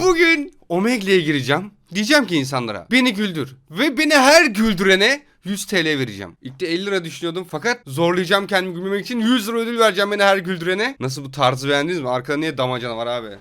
Bugün Omegle'ye gireceğim. Diyeceğim ki insanlara beni güldür. Ve beni her güldürene 100 TL vereceğim. İlk de 50 lira düşünüyordum fakat zorlayacağım kendimi gülmemek için 100 lira ödül vereceğim beni her güldürene. Nasıl, bu tarzı beğendiniz mi? Arkada niye damacana var abi?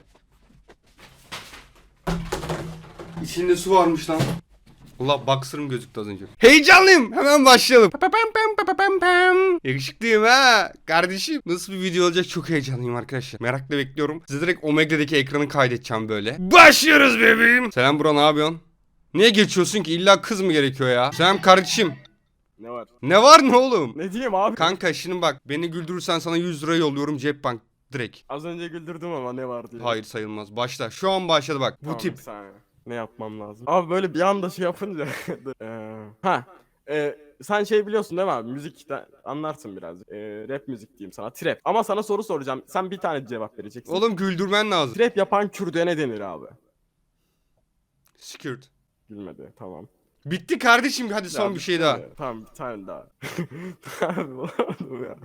İçinde su varmış lan. Allah, boxer'ım gözüktü az önce. Heyecanlıyım. Hemen başlayalım. Yakışıklıyım ha. Kardeşim, nasıl bir video olacak çok heyecanlıyım arkadaşlar. Merakla bekliyorum. Size direkt Omegle'deki ekranı kaydedeceğim böyle. Başlıyoruz bebeğim. Selam bro, ne yapıyorsun? Niye geçiyorsun ki? İlla kız mı gerekiyor ya? Selam kardeşim. Ne var? Ne var ne oğlum? Ne diyeyim abi? Kanka şimdi bak, beni güldürürsen sana 100 lira yolluyorum Cepbank direkt. Az önce güldürdüm ama ne var diye. Hayır, sayılmaz. Başla. Şu an başladı bak. Bu Tamam, tip. bir saniye. Ne yapmam lazım? Abi böyle bir anda şey yapınca. Ha. Sen şey biliyorsun değil mi abi? Müzikten anlarsın biraz. Rap müzik diyeyim sana. Trap. Ama sana soru soracağım. Sen bir tane cevap vereceksin. Oğlum güldürmen lazım. Trap yapan Kürt'e ne denir abi? Skirt. Bilmedi. Tamam. Bitti kardeşim, hadi son Ya, bir şey daha. Tamam, bir tane daha. Abi bulamadım ya.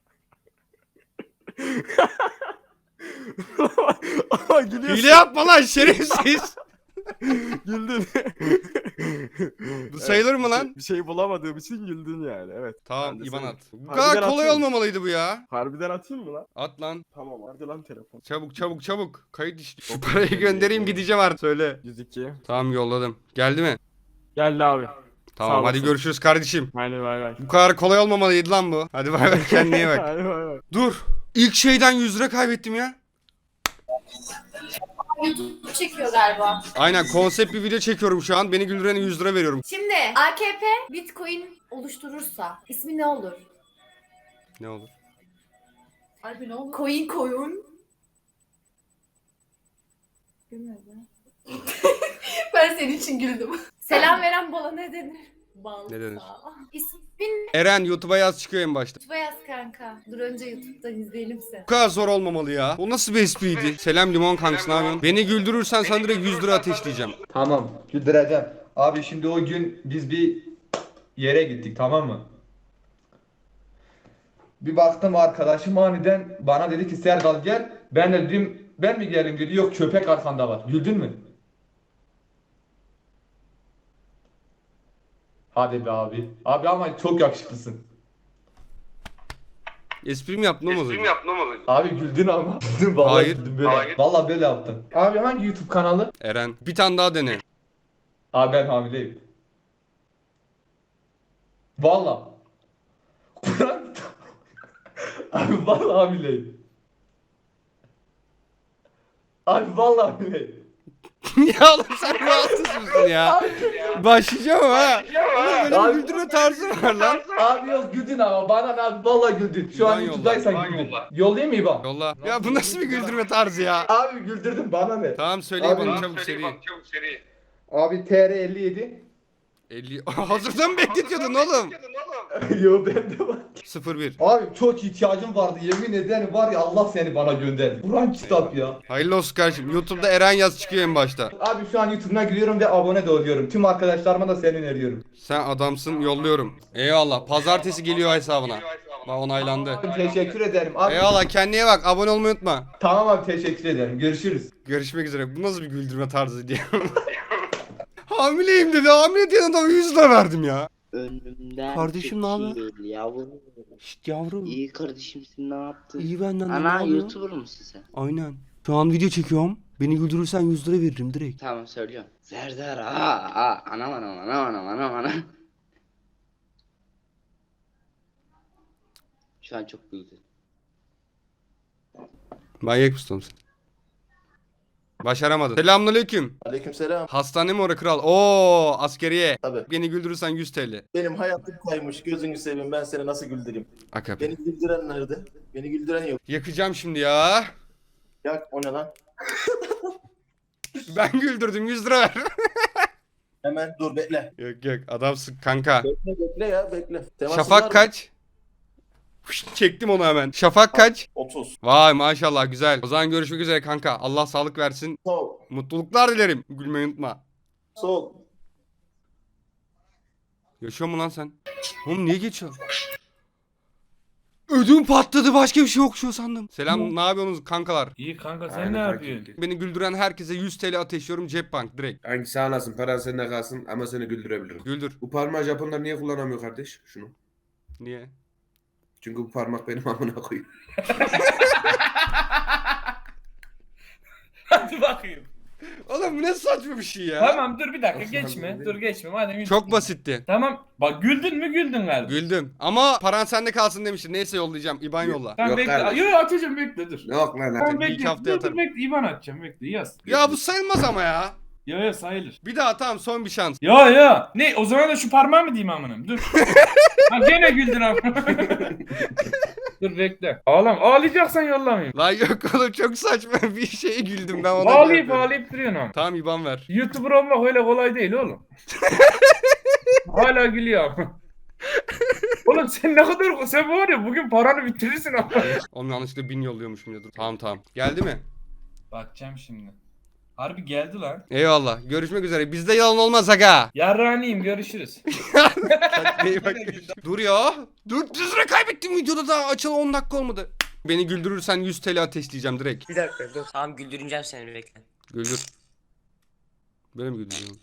Ama gülüyorsun. Hile yapma lan şerefsiz. Güldün. Bu sayılır mı lan? Bir şey bulamadığım için güldün yani. Evet. Tamam, Ben de İban seni- at. Bu Harbiden kadar kolay atayım mı? olmamalıydı bu ya. Harbiden atayım mı lan? At lan. Tamam, hadi lan telefon. Çabuk çabuk çabuk. Kayıt işte. Şu parayı göndereyim, gideceğim artık. Söyle. 102. Tamam, yolladım. Geldi mi? Geldi abi. Tamam, Sağ hadi olasın. görüşürüz kardeşim. Hadi bay bay. Bu kadar kolay olmamalıydı lan bu. Hadi bay bay, kendine iyi bak. Hadi bay bay. Dur. İlk şeyden 100 lira kaybettim ya. YouTube çekiyor galiba. Aynen, konsept bir video çekiyorum şu an. Beni güldürene 100 lira veriyorum. Şimdi AKP Bitcoin oluşturursa ismi ne olur? Ne olur? Harbi ne olur? Coin. Bilmiyorum. Ben senin için güldüm. Selam veren bala ne denir? Bal. Ne denir? İsmin Eren, YouTube'a yaz, çıkıyor en başta. YouTube'a yaz kanka. Dur önce YouTube'dan izleyelim seni. Bu kadar zor olmamalı ya. O nasıl bir espriydi? Selam limon kankası, ne yapıyorsun? Beni güldürürsen sana direkt 100 lira ateşleyeceğim. Tamam, güldüreceğim. Abi şimdi o gün biz bir yere gittik, tamam mı? Bir baktım arkadaşım aniden bana dedi ki Serdal gel. Ben de dedim ben mi geleyim dedi. Yok, köpek arkanda var. Güldün mü? Hadi be abi. Abi ama çok yakışıklısın. Espri mi yaptın oğlum? Abi güldün ama. Vallahi Hayır. güldüm böyle. Vallahi böyle yaptın. Abi hangi YouTube kanalı? Eren, bir tane daha dene. Abi ben hamileyim. Vallahi. Kur'an. Abi vallahi hamileyim. Abi vallahi hamileyim. Ya oğlum, sen rahatsız mısın ya? Başlayacağım ha. Oğlum benim Abi- güldürme tarzı var lan. Abi yok güldün ama bana ne abi vallahi güldün. Şu an İban YouTube'daysan güldün. Yollayayım mı İban? Yolla. Ya bu nasıl bir güldürme tarzı ya? Abi güldürdün bana ne? Tamam, söyle Abi- bana çabuk, seri. Abi TR 57. 50. Hazırdan mı bekletiyordun oğlum? Yo bende var. 01. Abi çok ihtiyacım vardı yemin ederim var ya Allah seni bana gönderdi. Kur'an kitap ya. Hayırlı olsun kardeşim. YouTube'da Eren yaz çıkıyor en başta. Abi şu an YouTube'dan giriyorum ve abone de oluyorum. Tüm arkadaşlarıma da seni öneriyorum. Sen adamsın, yolluyorum. Eyvallah. Pazartesi geliyor hesabına. Bak, onaylandı. Abi teşekkür ederim. Abi Eyvallah, kendine iyi bak. Abone olmayı unutma. tamam abi teşekkür ederim. Görüşürüz. Görüşmek üzere. Bu nasıl bir güldürme tarzı diye. Hamileyim dedi. Hamile diyen adama 100 lira verdim ya. Önümden Kardeşim, ne haber? çekil yavrum. Şşt yavrum. İyi kardeşimsin, ne yaptın? İyi benden de, ne Ana yapıyorsun? YouTuber musun sen? Aynen. Şu an video çekiyorum. Beni güldürürsen 100 lira veririm direkt. Tamam, söylüyorum. Serdar anam. Şu an çok güldü. Manyak mısın sen? Başaramadın. Selamünaleyküm. Aleykümselam. Hastane mi orası kral? Oo, askeriye. Tabii. Beni güldürürsen 100 TL. Benim hayatım kaymış. Gözünü seveyim. Ben seni nasıl güldüreyim? Akabe. Beni güldüren nerede? Beni güldüren yok. Yakacağım şimdi ya. Yak o ne lan? Ben güldürdüm, 100 lira ver. Hemen dur bekle. Yok adamsın kanka. Bekle ya bekle. Temasın var Şafak mı? kaç? Fışt, çektim onu hemen. Şafak kaç? 30. Vay maşallah, güzel. O zaman görüşmek üzere kanka. Allah sağlık versin. Sol. Mutluluklar dilerim. Gülmeyi unutma. Sol. Yaşıyor mu lan sen? Oğlum niye geçiyor? Ödüm patladı, başka bir şey yok şu sandım. Selam, ne yapıyorsunuz kankalar? İyi kanka sen Aynen ne kanka. yapıyorsun? Beni güldüren herkese 100 TL ateşliyorum Cepbank direkt. Hangisi anlasın, paran sende kalsın ama seni güldürebilirim. Güldür. Bu parmağı Japonlar niye kullanamıyor kardeş? Şunu. Niye? Çünkü bu parmak benim amına koyayım. Hadi bakayım. Oğlum bu ne saçma bir şey ya. Tamam dur bir dakika Nasıl geçme. anladın? Dur geçme madem. Çok basitti. Tamam. Bak güldün mü güldün galiba. Güldüm. Ama paran sende kalsın demiştin. Neyse yollayacağım. İban yolla. Tamam Yok bekle. kardeşim. Yo atacağım bekle dur. Yok lan Tamam bir iki bekle. haftaya Dur, dur atarım. bekle. İban atacağım bekle yaz. Ya bu sayılmaz ama ya. Yo sayılır. Bir daha tamam, son bir şans. Yo. Ne o zaman da şu parmağı mı diyeyim amınım? Dur. Ha gene güldün amına. Dur bekle. Ağlayacaksan yollamayayım. Lan yok oğlum, çok saçma bir şeye güldüm ben ona. Ağlayıp duruyorsun ama. Tamam İban ver. YouTuber olmak öyle kolay değil oğlum. Hala gülüyor. Oğlum sen ne kadar sen var ya bugün paranı bitirirsin ama. Oğlum yanlışlıkla 1000 yolluyormuşum ya, dur. Tamam. Geldi mi? Bakacağım şimdi. Harbi geldi lan. Eyvallah. Görüşmek üzere. Bizde yalan olmaz aga. Yarraniyim görüşürüz. Kendine iyi bak. Dur ya. 400 lira kaybettim videoda, daha açılı 10 dakika olmadı. Beni güldürürsen 100 TL ateşleyeceğim direkt. Bir dakika dur. Tamam güldüreceğim seni bekle. Güldür. Böyle mi güldürüyorsun?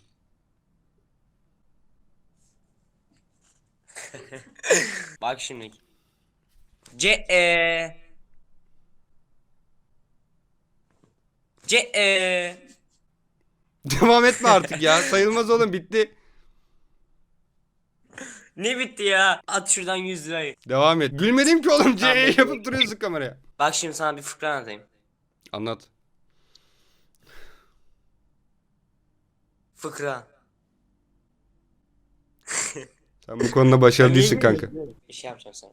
Bak şimdi. Devam etme artık ya. Sayılmaz oğlum, bitti. Ne bitti ya? At şuradan 100 lirayı. Devam et. Gülmedim ki oğlum. Tamam, CE yapıp duruyorsun kameraya. Bak şimdi sana bir fıkra anlatayım. Anlat. Fıkra. Sen bu konuda başarılı değilsin kanka. Bir şey yapacağım sana.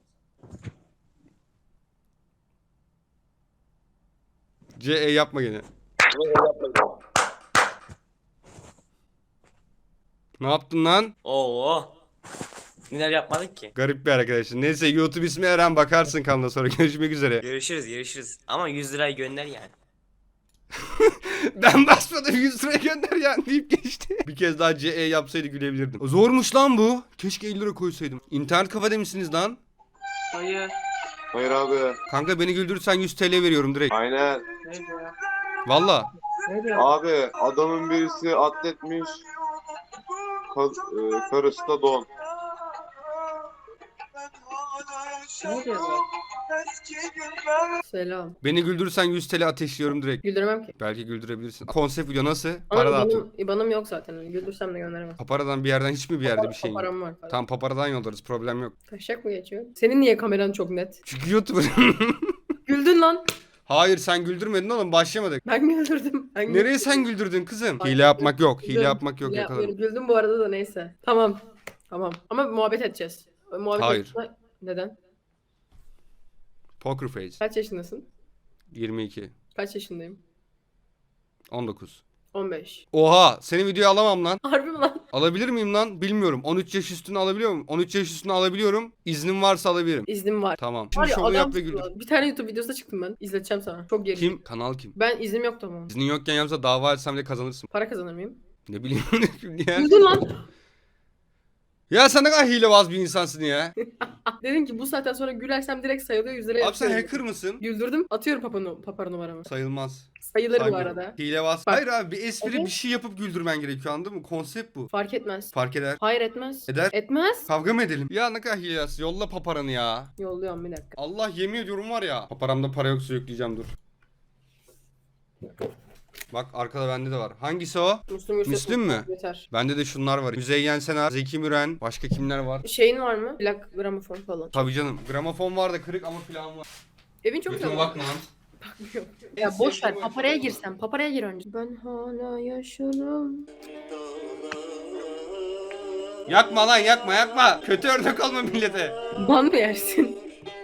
CE yapma gene. Ne yaptın lan? Oo. Neler yapmadık ki? Garip bir arkadaşın. Neyse, YouTube ismi Eren, bakarsın kanalda sonra. Görüşmek üzere. Görüşürüz. Ama 100 lirayı gönder yani. Ben basmadım, 100 lira gönder yani deyip geçti. Bir kez daha CE yapsaydı gülebilirdim. Zormuş lan bu. Keşke 50 lira koysaydım. İnternet kafede misiniz lan? Hayır. Hayır abi. Kanka beni güldürürsen 100 TL veriyorum direkt. Aynen. Valla. Abi adamın birisi atletmiş. Karısı da don. Selam. Beni güldürürsen 100 TL ateşliyorum direkt. Güldürmem ki. Belki güldürebilirsin. Konsept video nasıl? Ama Para dağıtın. İban'ım yok zaten. Güldürsem de gönderemem. Paparadan bir yerden, hiç mi bir yerde bir şey yok? Param var. Tam paparadan yollarız, problem yok. Taşak mı geçiyor? Senin niye kameran çok net? Çünkü YouTuber. Güldün lan. Hayır, sen güldürmedin oğlum, başlamadık. Ben güldürdüm. Ben Nereye sen güldürdün kızım? Ay, Hile yapmak yok. Hile güldüm. yapmak yok, Hile yakalarım. yapmıyorum. Güldüm bu arada da neyse. Tamam. Ama muhabbet edeceğiz. Muhabbet Hayır. Neden? Poker face. Kaç yaşındasın? 22. Kaç yaşındayım? 19. 15. Oha, senin videoyu alamam lan. Harbi mi lan? Alabilir miyim lan? Bilmiyorum. 13 yaş üstünü alabiliyor muyum? 13 yaş üstünü alabiliyorum. İznim varsa alabilirim. İznim var. Tamam. Var Şimdi ya şovu yap ve adam güldür. bir tane YouTube videosuna çıktım ben. İzleteceğim sana. Çok geri. Kim? Kanal kim? Ben iznim yoktu ama. İznin yokken yapsa dava etsem de kazanırsın. Para kazanır mıyım? Ne bileyim şimdi ya. Güldün lan. Ya sen ne kadar hilebaz bir insansın ya. Dedin ki bu saatten sonra gülersem direkt sayılıyor 100 liraya Abi sen atıyorum. hacker mısın? Güldürdüm. Atıyorum papara numaramı. Sayılmaz. Sayılır bu Saygı. arada. Hilebaz. Bak. Hayır abi, bir espri, Evet. bir şey yapıp güldürmen gerekiyor, anladın mı? Konsept bu. Fark etmez. Fark eder. Hayır etmez. Eder. Etmez. Kavga mı edelim? Ya ne kadar hilebaz. Yolla paparanı ya. Yolluyorum bir dakika. Allah, yemin ediyorum var ya. Paparamda para yoksa yükleyeceğim, dur. Bak arkada bende de var. Hangisi o? Müslüm Gürses. Müslüm mü? Yeter. Bende de şunlar var. Müzeyyen Senar, Zeki Müren, başka kimler var? Şeyin var mı? Plak gramofon falan. Tabii canım. Gramofon var da kırık ama plan var. Evin çok Götüme güzel. bakma lan. Bakmıyorum. Ya boş ver. Paparaya girsem. Paparaya gir önce. Ben hala yaşarım. Yakma lan, yakma. Kötü örnek olma millete. Ban mı yersin?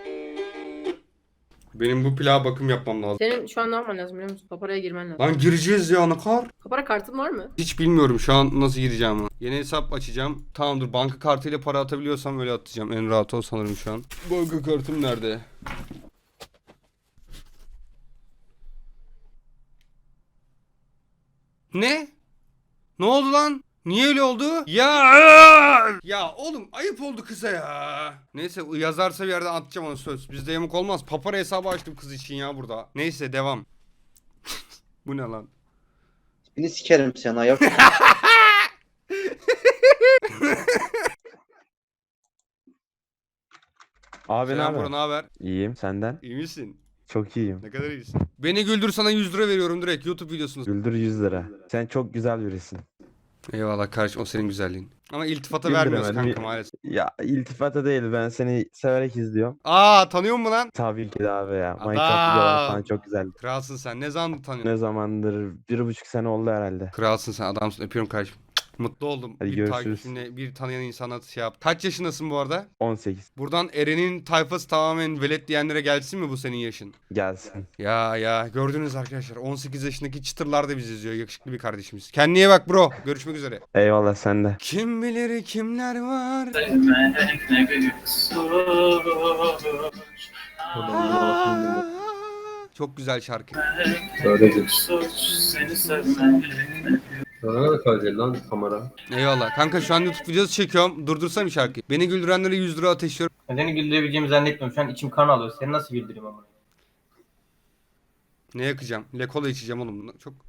Benim bu plağa bakım yapmam lazım. Senin şu an ne yapman lazım biliyor musun? Paparaya girmen lazım. Lan gireceğiz ya, ne kadar? Papara kartın var mı? Hiç bilmiyorum şu an nasıl gireceğimi. Yeni hesap açacağım. Tamam dur, banka kartıyla para atabiliyorsam öyle atacağım. En rahat o sanırım şu an. Banka kartım nerede? Ne? Ne oldu lan? Niye öyle oldu? Ya oğlum ayıp oldu kıza ya. Neyse yazarsa bir yerden atacağım onu söz. Bizde yamuk olmaz. Papara hesabı açtım kız için ya burada. Neyse devam. Bu ne lan? Beni sikerim sen ayak. Abi ne Selam haber? bro, ne haber? İyiyim senden. İyi misin? Çok iyiyim. Ne kadar iyisin? Beni güldür, sana 100 lira veriyorum direkt YouTube videosunu. Güldür 100 lira. Sen çok güzel birisin. Eyvallah kardeşim, o senin güzelliğin. Ama iltifata Güldüremedim. vermiyoruz kanka maalesef. Ya iltifata değil, ben seni severek izliyorum. Aa, tanıyor musun lan? Tabii ki de abi ya. Adam. Minecraft videoları falan çok güzeldi. Kralsın sen. Ne zaman tanıyorsun? Ne zamandır? 1,5 sene oldu herhalde. Kralsın sen, adamsın. Öpüyorum kardeşim. Mutlu oldum. Hadi bir görüşürüz. takipçimle, bir tanıyan insana şey yap. Kaç yaşındasın bu arada? 18. Buradan Eren'in tayfası tamamen velet diyenlere gelsin mi bu senin yaşın? Gelsin. Ya gördünüz arkadaşlar, 18 yaşındaki çıtırlar da bizi izliyor. Yakışıklı bir kardeşimiz. Kendine iyi bak bro. Görüşmek üzere. Eyvallah sen de. Kim bilir kimler var. Çok güzel şarkı. Eyvallah. Kanka şu an YouTube videosu çekiyorum. Durdursam bir şarkıyı. Beni güldürenlere 100 lira ateşliyorum. Seni güldürebileceğimi zannetmiyorum. Şu an içim kan alıyor. Seni nasıl güldüreyim ama? Ne yakacağım? Lekola içeceğim oğlum bunu. Çok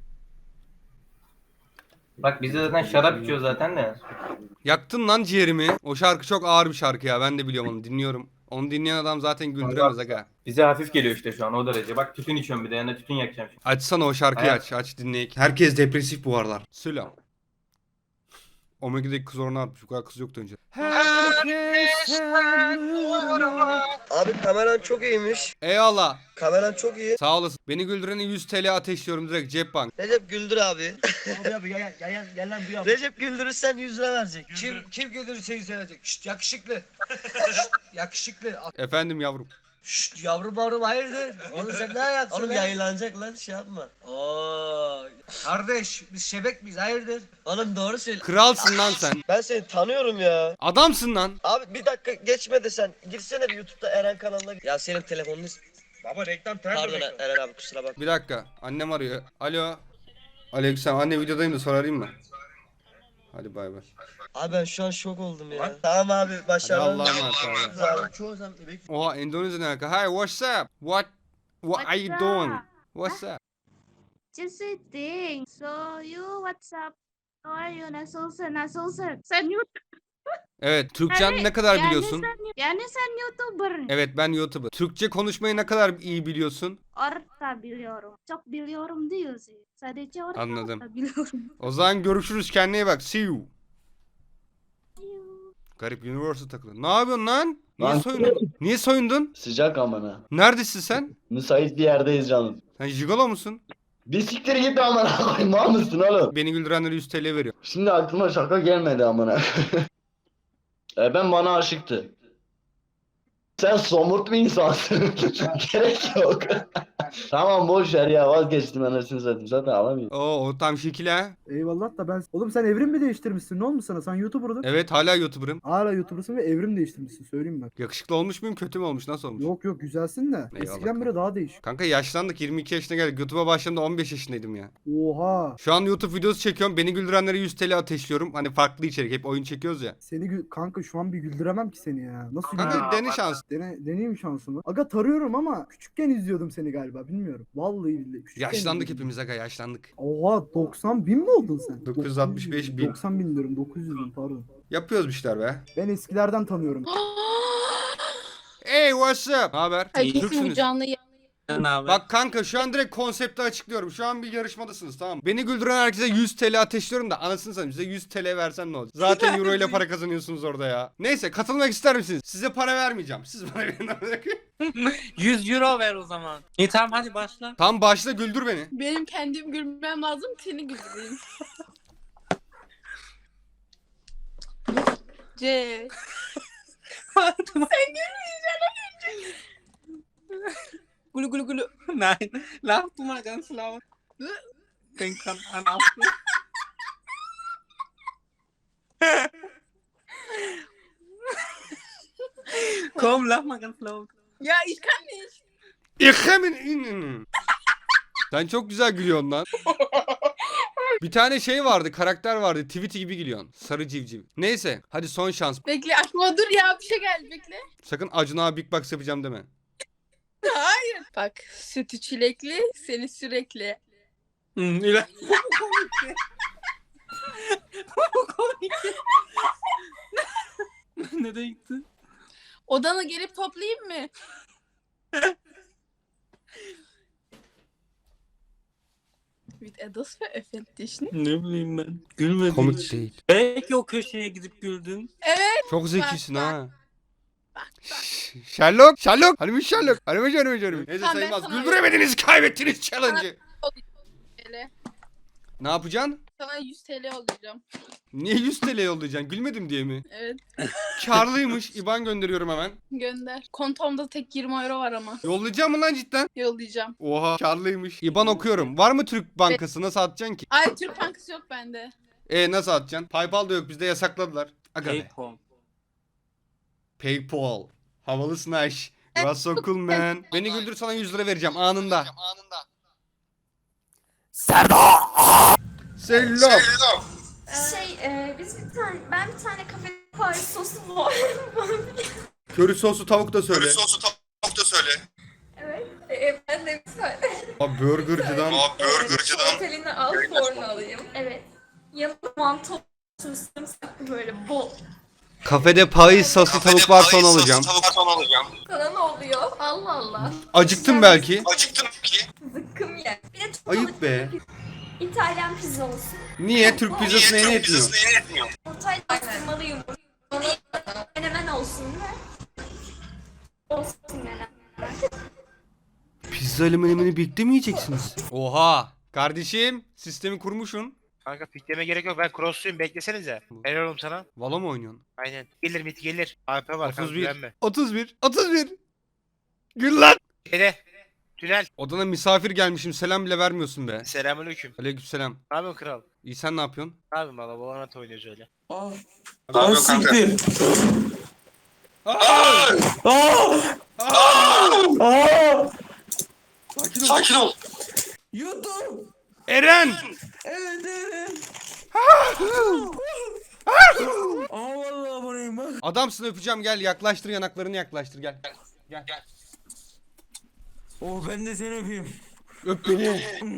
Bak biz de zaten şarap içiyor zaten de. yaktın lan ciğerimi. O şarkı çok ağır bir şarkı ya. Ben de biliyorum onu, dinliyorum. Onu dinleyen adam zaten güldüremez aga. Bize hafif geliyor işte şu an o derece. Bak tütün içiyorum bir de yanında tütün yakacağım şimdi. Açsana o şarkıyı, Evet. aç dinleyek. Herkes depresif bu aralar. Selam. Omega'daki kız oranı artmış. Bu kadar kız yoktu önce. Abi kameran çok iyiymiş. Eyvallah. Kameran çok iyi. Sağ olasın. Beni güldürene 100 TL ateşliyorum direkt cep bank. Recep Güldür abi. Abi gel lan bu Recep güldürürsen 100 lira verecek. Kim güldürürse 100 lira verecek. Şşt yakışıklı. Şşt, yakışıklı. Efendim yavrum. Şşt yavrum hayırdır? Oğlum sen ne ayaksın? Oğlum yayınlanacak lan şey yapma. Oo. Kardeş biz şebek miyiz hayırdır? Oğlum doğru söyle. Kralsın lan sen. Ben seni tanıyorum ya. Adamsın lan. Abi bir dakika geçme de sen. Girsene bir YouTube'da Eren kanalına. Ya senin telefonunu... Baba reklam pardon Eren abi kusura bak. Bir dakika. Annem arıyor. Alo. Aleykümselam. Anne videodayım da sonra arayayım mı? Hadi bay bay. Abi ben şu an şok oldum ya. Tamam abi Hadi başarılı. Allah'a emanet abi. Çoğu zaman bebek. Oha, Endonezya ne alaka? Hi, what's up? What are you doing? What's up? Just sitting. So you what's up? How are you? Nasılsın? Sen Evet, Türkçen ne kadar biliyorsun? Yani sen YouTuber. Evet, ben YouTuber. Türkçe konuşmayı ne kadar iyi biliyorsun? Orta biliyorum. Çok biliyorum diyorsun. Sadece orta Anladım. biliyorum. O zaman görüşürüz, kendine iyi bak. See you. Garip Universal takılı. Ne yapıyorsun lan? Niye soyundun? Niye soyundun? Sıcak amına. Neredesin sen? Müsait bir yerdeyiz canım. Sen jigolo musun? Bir siktir git amına koyayım, mal mısın oğlum? Beni güldürenlere 100 TL veriyor. Şimdi aklıma şaka gelmedi amına. Ben bana aşıktı. Sen somurt bir insansın. Gerek yok. Tamam boş ver ya, vazgeçtim anasını satayım, zaten alamıyorum. Oo, o tam şekil ha. Eyvallah da ben... Oğlum sen evrim mi değiştirmişsin? Ne olmuş sana? Sen YouTuber'dın. Evet, hala YouTuber'ım. Hala YouTuber'sın ve evrim değiştirmişsin söyleyeyim ben. Yakışıklı olmuş muyum, kötü mü olmuş, nasıl olmuş? Yok güzelsin de. Eyvallah. Eskiden beri daha değişik. Kanka yaşlandık, 22 yaşına geldik. YouTube'a başladığımda 15 yaşındaydım ya. Oha. Şu an YouTube videosu çekiyorum. Beni güldürenlere 100 TL ateşliyorum. Hani farklı içerik. Hep oyun çekiyoruz ya. Kanka şu an bir güldüremem ki seni ya. Nasıl Kanka dene şans. Deneyim şansımı. Aga tarıyorum ama küçükken izliyordum seni galiba bilmiyorum. Vallahi billahi. Küçükken Yaşlandık izliyordum. hepimiz aga, yaşlandık. Oha 90 bin mi oldun sen? 965 bin. 90 bin diyorum 900 bin pardon. Yapıyoruz bir şeyler be. Ben eskilerden tanıyorum. Hey, what's up? Ne haber? Türksünüz. Abi. Bak kanka, şu an direkt konsepti açıklıyorum. Şu an bir yarışmadasınız, tamam mı? Beni güldüren herkese 100 TL ateşliyorum da anasını satayım, size 100 TL versem ne olacak? Zaten euro ile para kazanıyorsunuz orada ya. Neyse, katılmak ister misiniz? Size para vermeyeceğim. Siz bana verin. 100 euro ver o zaman. İyi tamam hadi başla. Tamam başla, güldür beni. Benim kendim gülmem lazım, seni güldüreyim. C. Gulu gulu gulu. Nein, lach du mal ganz laut. Den kann man auch. Komm, lach mal ganz laut. Ya ich kann nicht. İkhemin inin. Sen çok güzel gülüyorsun lan. Bir tane şey vardı, karakter vardı. Tweety gibi geliyorsun. Sarı civciv. Neyse, hadi son şans. Bekle aklıma dur ya bir şey geldi bekle. Sakın Acun abi Big Box yapacağım deme. Hayır. Bak sütü çilekli seni sürekli. İlahi. Bu komik. Nereye gitti? Odana gelip toplayayım mı? Mit etwas veröffentlicht. Ne bileyim ben. Gülmedim Komik hiç. değil. Belki o köşeye gidip güldün. Evet. Çok zekisin bak. ha. Sherlock, Sherlock. Hani Sherlock. Hani. Neyse Tamam, ben sayılmaz. sana- Güldüremediniz, kaybettiniz challenge'ı. TL. Ne yapacaksın? Sana 100 TL alacağım. Niye 100 TL yollayacaksın? Gülmedim diye mi? Evet. Karlıymış. İban gönderiyorum hemen. Gönder. Kontomda tek 20 euro var ama. Yollayacağım mı lan cidden? Yollayacağım. Oha karlıymış. İban okuyorum. Var mı Türk Bankası? Nasıl atacaksın ki? Ay Türk Bankası yok bende. Nasıl atacaksın? PayPal da yok, bizde yasakladılar. Aga be. PayPal. PayPal. Havalısın Aş. You are so cool man. Beni güldür, sana 100 lira vereceğim anında. Selam. Ben bir tane kafe Paris sosu var. Köri soslu tavuk da söyle. Evet. Ben de bir tane. Abi burgercıdan. Otelini al fornu alayım. Evet. Yanına mantı olsun sarımsaklı böyle bol. Kafede Paris soslu tavuk varsa onu alacağım. Sana ne oluyor? Allah Allah. Acıktım belki. Zıkkım ye. Bir de çok Ayıp be. İtalyan pizza olsun. Niye Türk pizzası neyine etmiyor? Ortayla bastırmalı yumurta. Menemen olsun ve olsun menemen. Pizza ile menemeni birlikte mi yiyeceksiniz? Oha. Kardeşim sistemi kurmuşsun. Kanka pikleme gerek yok. Ben crossluyum. Beklesenize. Helal oğlum sana. Valla mı oynuyorsun? Aynen. Gelir mit gelir. AP var. 31. 31. Gül lan. Şeyde. Tünel. Odana misafir gelmişim, selam bile vermiyorsun be. Selamünaleyküm. Aleykümselam. Ne yapıyorsun kral? İyi, sen ne yapıyorsun? Ne yapayım valla? Valorant oynuyoruz öyle. Abi siktir. Sakin ol. YouTube. Eren. Evet evet. Aa vallahi burayım bak. Adamsın, öpeceğim, gel yaklaştır, yanaklarını yaklaştır, gel. Gel. Oh ben de seni öpeyim. Öp beni.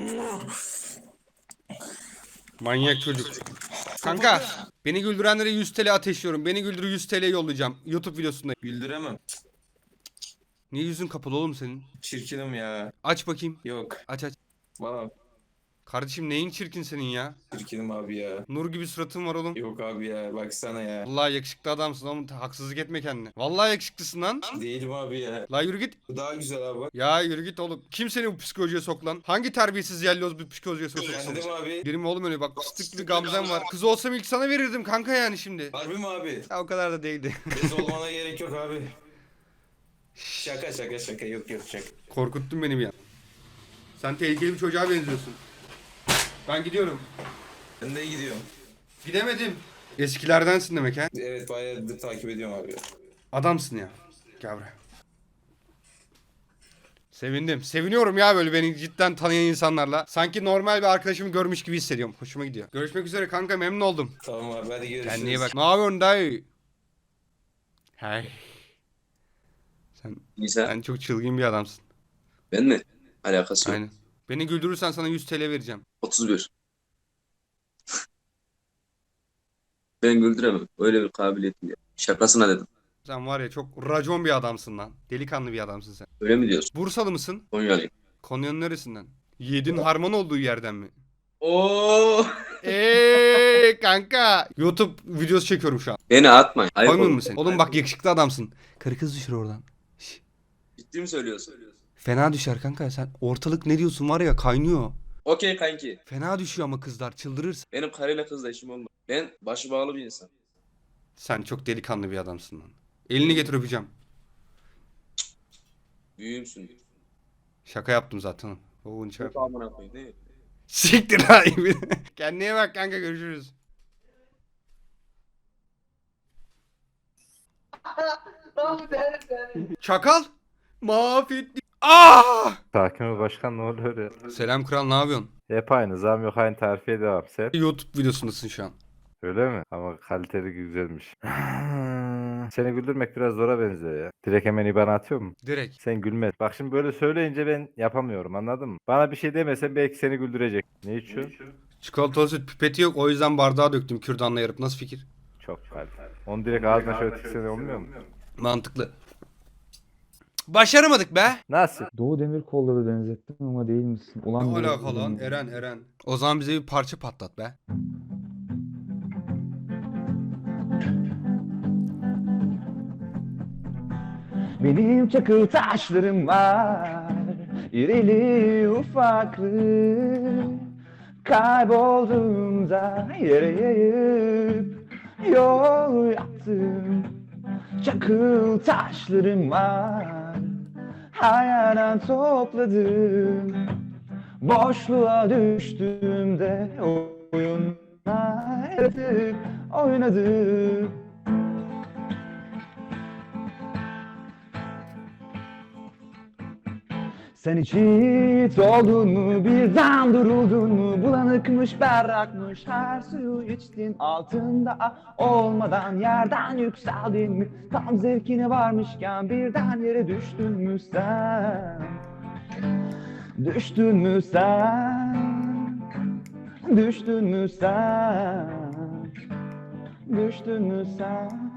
Manyak çocuk. Kanka beni güldürenlere 100 TL ateşliyorum. Beni güldür, 100 TL yollayacağım. YouTube videosunda. Güldüremem. Niye yüzün kapalı oğlum senin? Çirkinim ya. Aç bakayım. Yok. Aç. Valla Kardeşim neyin çirkin senin ya? çirkinim abi ya. Nur gibi suratın var oğlum. Yok abi ya baksana ya. Vallahi yakışıklı adamsın oğlum. Haksızlık etme kendine. Vallahi yakışıklısın lan. Değilim abi ya. La yürü git. Bu daha güzel abi bak. Ya yürü git oğlum. Kim seni bu psikolojiye sok lan? Hangi terbiyesiz yelloz bir psikolojiye soksun? Kendim abi. Benim oğlum öyle bak, fıstık gibi gamzem var. Kız olsam ilk sana verirdim kanka yani şimdi. Harbi mi abi? Ya o kadar da değildi. Bez olmana gerek yok abi. Şaka yok şaka. Korkuttun beni bir an. Sen tehlikeli bir çocuğa benziyorsun. Ben gidiyorum. Ben de gidiyorum. Gidemedim. Eskilerdensin demek ha. Evet bayağıdır takip ediyorum abi. Adamsın ya. Gel buraya. Sevindim. Seviniyorum ya böyle beni cidden tanıyan insanlarla. Sanki normal bir arkadaşımı görmüş gibi hissediyorum. Hoşuma gidiyor. Görüşmek üzere kanka, memnun oldum. Tamam abi hadi görüşürüz. Kendine iyi bak. Ne yapıyorsun dayı? Hey. Sen çok çılgın bir adamsın. Ben mi? Alakası yok. Aynen. Beni güldürürsen sana 100 TL vereceğim. 31. Ben güldüremem. Öyle bir kabiliyetim yok. Şakasına dedim. Sen var ya çok racon bir adamsın lan. Delikanlı bir adamsın sen. Öyle mi diyorsun? Bursalı mısın? Konyalıyım. Konya'nın neresinden? Yedin harman olduğu yerden mi? Oo. Kanka. YouTube videosu çekiyorum şu an. Beni atmayın. Ayıp Koymuyor olur. musun sen? Oğlum bak yakışıklı adamsın. Karı kız düşür oradan. Şş. Ciddi mi söylüyorsun? Fena düşer kanka, sen ortalık ne diyorsun var ya, kaynıyor. Okey kanki. Fena düşüyor ama kızlar, çıldırırsın. Benim karıyla kızla işim olmaz. Ben başı bağlı bir insan. Sen çok delikanlı bir adamsın lan. Elini getir, öpeceğim. Büyüğümsün. Şaka yaptım zaten. Oo, çarp. Çok amına koyayım değil mi? Siktir lan. Kendine iyi bak kanka, görüşürüz. Çakal. Mahvetti. Sakin ol başkan, ne oluyor ya? Selam kral, ne yapıyorsun? Hep aynı zam yok, aynı tarifiye devam. Sen YouTube videosundasın şu an. öyle mi? Ama kaliteli güzelmiş. Seni güldürmek biraz zora benziyor ya. Direkt hemen IBAN atıyor mu? Direkt. Sen gülme. Bak şimdi böyle söyleyince ben yapamıyorum, anladın mı? Bana bir şey demesen belki seni güldürecek. Ne içiyorsun? Çikolatalı süt pipeti yok, o yüzden bardağa döktüm kürdanla yarıp. Nasıl fikir? Çok kaliteli. Onu direkt ağzına şöyle tiksene olmuyor mu? Mantıklı. Başaramadık be. Nasıl? Doğu Demirkol'la benzettim ama değil misin? Ne alaka lan? Eren. O zaman bize bir parça patlat be. Benim çakıl taşlarım var, irili ufaklı. Kaybolduğumda yere yayıp yol yaptım. Çakıl taşlarım var, hayalden topladım. Boşluğa düştüğümde oyunlar yaratıp oynadım. Sen hiç yiğit oldun mu, birden duruldun mu? Bulanıkmış, berrakmış, her suyu içtin. Altında olmadan yerden yükseldin mi? Tam zevkine varmışken birden yere düştün mü sen? Düştün mü sen? Düştün mü sen? Düştün mü sen?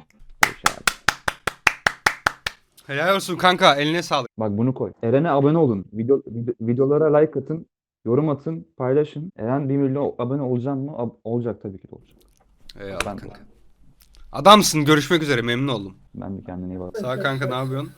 Helal olsun kanka, eline sağlık. Bak bunu koy. Eren'e abone olun. Videolara like atın. Yorum atın. Paylaşın. Eren 1 milyon abone olacak mı? Olacak tabii ki de olacak. Eyvallah Ben- kanka. Adamsın, görüşmek üzere, memnun oldum. Ben de kendine iyi bak. Sağ ol kanka, ne yapıyorsun?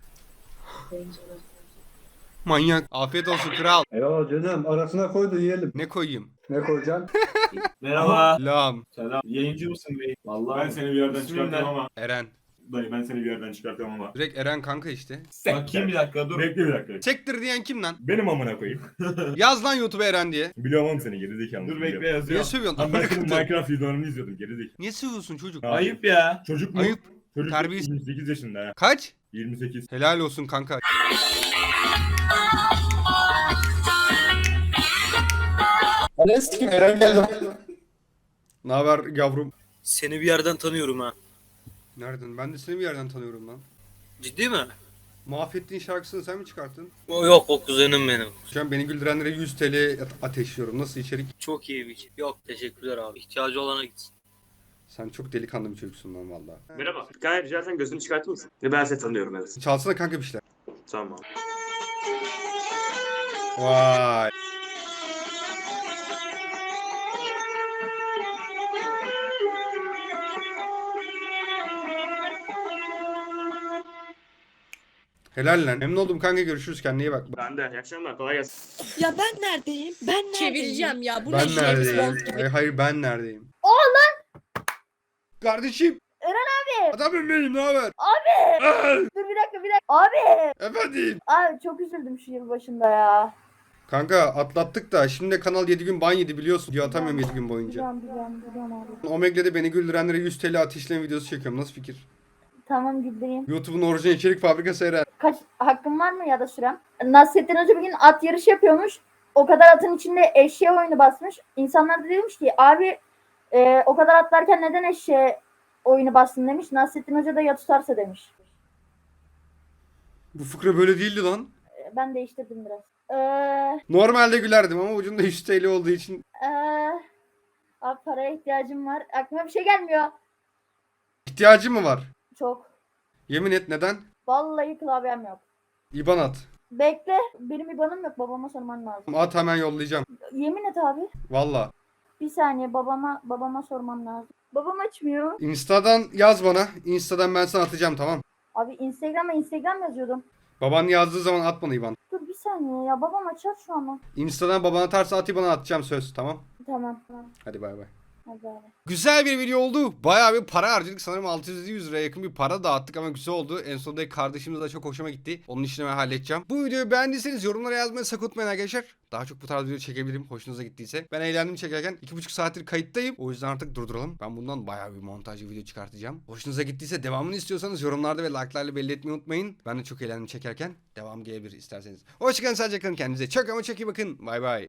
Manyak. Afiyet olsun kral. Eyvallah canım, arasına koy da yiyelim. Ne koyayım? Ne koyacaksın? Merhaba. Lam. Selam. Yayıncı mısın bey? Vallahi ben seni bir yerden çıkartacağım ama. Eren. Dayı ben seni bir yerden çıkartacağım ama. Direkt Eren kanka işte. Bakayım bir dakika dur. Bekle bir dakika. Çektir diyen kim lan? Benim amına koyayım. Yaz lan YouTube'a Eren diye. Biliyorum seni gerizekalı. Dur bekle Niye yazıyorum. sövüyorsun? Lan ben Amına senin koyayım. Minecraft videolarını izliyordum gerizekalı. Niye sövüyorsun çocuk? Ayıp ya. Çocuk mu? Ayıp. Çocuk Terbiyesiz. 28 yaşında ha. Kaç? 28. Helal olsun kanka. Ne sikim Eren geldi. Ne haber yavrum? Seni bir yerden tanıyorum ha. Nereden? Ben de seni bir yerden tanıyorum lan. Ciddi mi? Mahvettiğin şarkısını sen mi çıkarttın? Yok, o kuzenim benim. Şu an beni güldürenlere 100 TL ateşliyorum. Nasıl içerik? Çok iyi bir şey. Yok, teşekkürler abi. İhtiyacı olana gitsin. Sen çok delikanlı bir çocuksun lan valla. Merhaba. Gayet rica etsem gözünü çıkartır mısın? Ben seni tanıyorum evet. Çalsana kanka bir şeyler. Tamam. Vay. Helal lan. Memnun oldum kanka, görüşürüz, kendine iyi bak. Ben de. İyi akşamlar. Kolay gelsin. Ya ben neredeyim? Ben neredeyim? Çevireceğim ya. Bu Ben ne neredeyim? James Bond gibi. Hayır, ben neredeyim? Oğlum. Kardeşim. Eren abi. Adamım benim, ne haber? Abi. Ay, Dur bir dakika. Abi. efendim. Abi çok üzüldüm şu yıl başında ya. Kanka atlattık da şimdi de kanal 7 gün ban yedi biliyorsun. Video atamıyorum 7 gün boyunca. Biliyorum abi. Omegle'de beni güldürenlere 100 TL ateşleme videosu çekiyorum. Nasıl fikir? Tamam güldüreyim. YouTube'un orijinal içerik fabrikası Eren. Kaç hakkım var mı ya da sürem? Nasrettin Hoca bir gün at yarışı yapıyormuş. O kadar atın içinde eşeğe oyunu basmış. İnsanlar da demiş ki abi o kadar atlarken neden eşeğe oyunu bastın demiş. Nasrettin Hoca da ya tutarsa demiş. Bu fıkra böyle değildi lan. Ben değiştirdim biraz. Normalde gülerdim ama ucunda 100 TL olduğu için. Abi paraya ihtiyacım var. Aklıma bir şey gelmiyor. İhtiyacı mı var? Çok. Yemin et, neden? Vallahi klavyem yok. İban at. Bekle. Benim IBAN'ım yok. Babama sorman lazım. At, hemen yollayacağım. Yemin et abi. Valla. Bir saniye babama sormam lazım. Babam açmıyor. Insta'dan yaz bana. Insta'dan ben sana atacağım, tamam. Abi Instagram yazıyordum. Baban yazdığı zaman at bana İban. Dur bir saniye ya babam açar şu an. Insta'dan baban atarsa at, İban'a atacağım, söz, tamam. Tamam. Hadi bay bay. Hadi abi. Güzel bir video oldu. Bayağı bir para harcadık. Sanırım 600-100 liraya yakın bir para dağıttık ama güzel oldu. En sonunda kardeşimiz de çok hoşuma gitti. Onun işini ben halledeceğim. Bu videoyu beğendiyseniz yorumlara yazmayı sakın unutmayın arkadaşlar. Daha çok bu tarz video çekebilirim. Hoşunuza gittiyse. Ben eğlendim çekerken 2,5 saattir kayıttayım. O yüzden artık durduralım. Ben bundan bayağı bir montajlı video çıkartacağım. Hoşunuza gittiyse devamını istiyorsanız yorumlarda ve like'larla belli etmeyi unutmayın. Ben de çok eğlendim çekerken. Devam gelebilir isterseniz. Hoşçakalın, sadece kalın, kendinize çok ama çok iyi bakın. Bay bay.